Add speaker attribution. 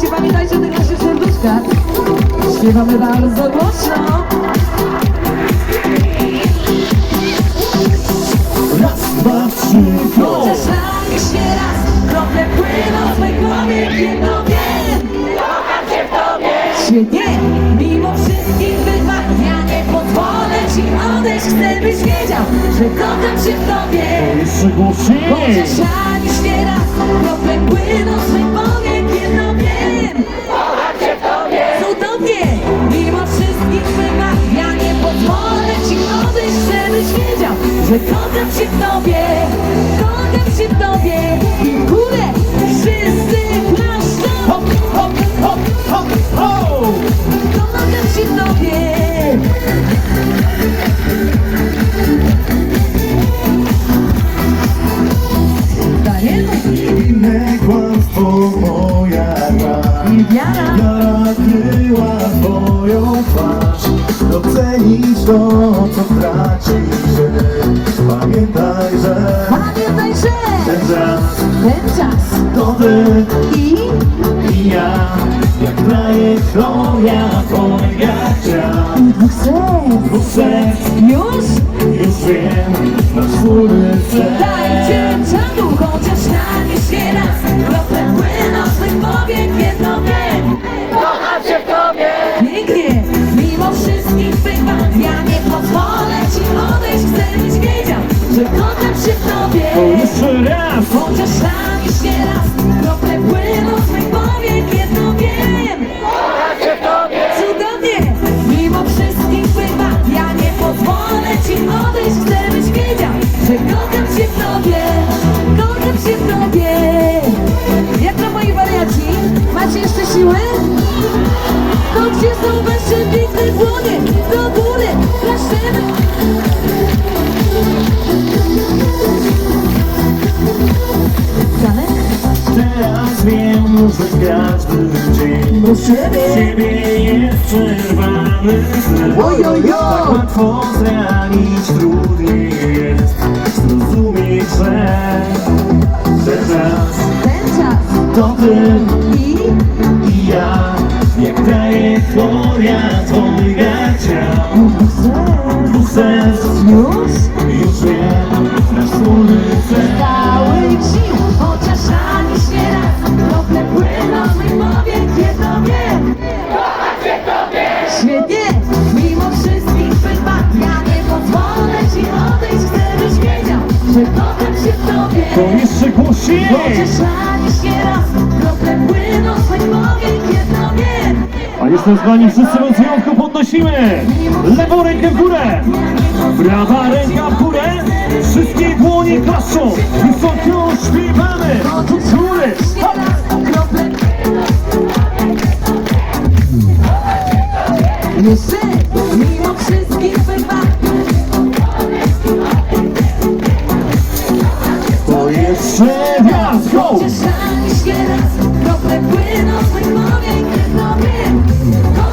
Speaker 1: Słuchajcie, pamiętajcie o tych naszych serduszkach. Śpiewamy bardzo głośno.
Speaker 2: Raz, dwa, trzy, go!
Speaker 1: Czasami się raz, krople płyną w mej głowie, jedno wiem. Kocham cię w tobie. Świetnie, mimo wszystkich wyzwań, ja nie pozwolę ci odejść. Chcę byś wiedział, że kocham cię w tobie.
Speaker 2: Jeszcze głośniej!
Speaker 1: Chociaż ani się raz, krople płyną w mej głowie, jedno wiem. Kocham cię w tobie. Cudownie, mimo wszystkich wyzwań, ja nie pozwolę ci odejść. Chcę byś wiedział, że kocham cię w tobie. Kocham cię w tobie. I w górę wszyscy klaszczą.
Speaker 2: Hop, hop, hop, hop, hop!
Speaker 1: Kocham cię w tobie. Dajemy.
Speaker 2: Inne kłamstwo moja gra.
Speaker 1: I wiara.
Speaker 2: Wiara kryła twoją twarz. Docenisz to, co tracisz. Pamiętaj, że
Speaker 1: Pamiętaj, że
Speaker 2: ten czas
Speaker 1: to
Speaker 2: ty
Speaker 1: i
Speaker 2: i ja. Jak trajektoria twoja ciał.
Speaker 1: dwóch serc.
Speaker 2: Dwóch serc,
Speaker 1: Już
Speaker 2: już wiem, nasz wspólny cel.
Speaker 1: dajcie czadu, chociaż na nie się raz. Krople płyną w mych głowie, jedno wiem. Kocham cię w tobie. Pięknie, mimo wszystkich wyzwań, ja nie pozwolę ci odejść. Chcę byś wiedział, że kocham cię w tobie.
Speaker 2: To jeszcze raz!
Speaker 1: Chociaż na nie się raz. Krople płyną w mych głowie, jedno wiem. Kocham cię w tobie. Cudownie, mimo wszystkich wyzwań, ja nie pozwolę ci odejść. Chcę byś wiedział, że kocham cię w tobie. Kocham cię w tobie. Jak to moi wariaci? Macie jeszcze siłę? To gdzie są wasze piękne dłonie? Do góry, klaszczemy. Janek?
Speaker 2: Teraz wiem, że każdy dzień
Speaker 1: Do siebie.
Speaker 2: ciebie jest przerwany sen.
Speaker 1: Ojojo.
Speaker 2: Tak łatwo zranić, trudniej jest zrozumieć, że czas
Speaker 1: Ten czas.
Speaker 2: to ty
Speaker 1: I
Speaker 2: i ja. Jak trajektoria twoja ciał.
Speaker 1: dwóch serc.
Speaker 2: Dwóch serc, już wiem, nasz wspólny cel.
Speaker 1: Całych sił, chociaż ani się raz. Krople płyną w mych głowie, jedno wiem. Kocham cię w tobie. Świetnie, mimo wszystkich wyzwań, ja nie pozwolę ci odejść. Chcę byś wiedział, że kocham cię w tobie.
Speaker 2: To jeszcze głośniej!
Speaker 1: Chociaż ani się raz. Krople płyną w mych głowie, jedno wiem.
Speaker 2: A jestem z wami wszyscy od wyjątku podnosimy! Lewą rękę w górę! Prawa ręka w górę! Wszystkie dłonie klaszczą! Wysoko śpiewamy! Do góry! Hop!
Speaker 1: Jeszcze, mimo wszystkich wyzwań.
Speaker 2: To jeszcze raz! Go!
Speaker 1: Chociaż ani się raz. Krople płyną w mych głowie, jedno wiem.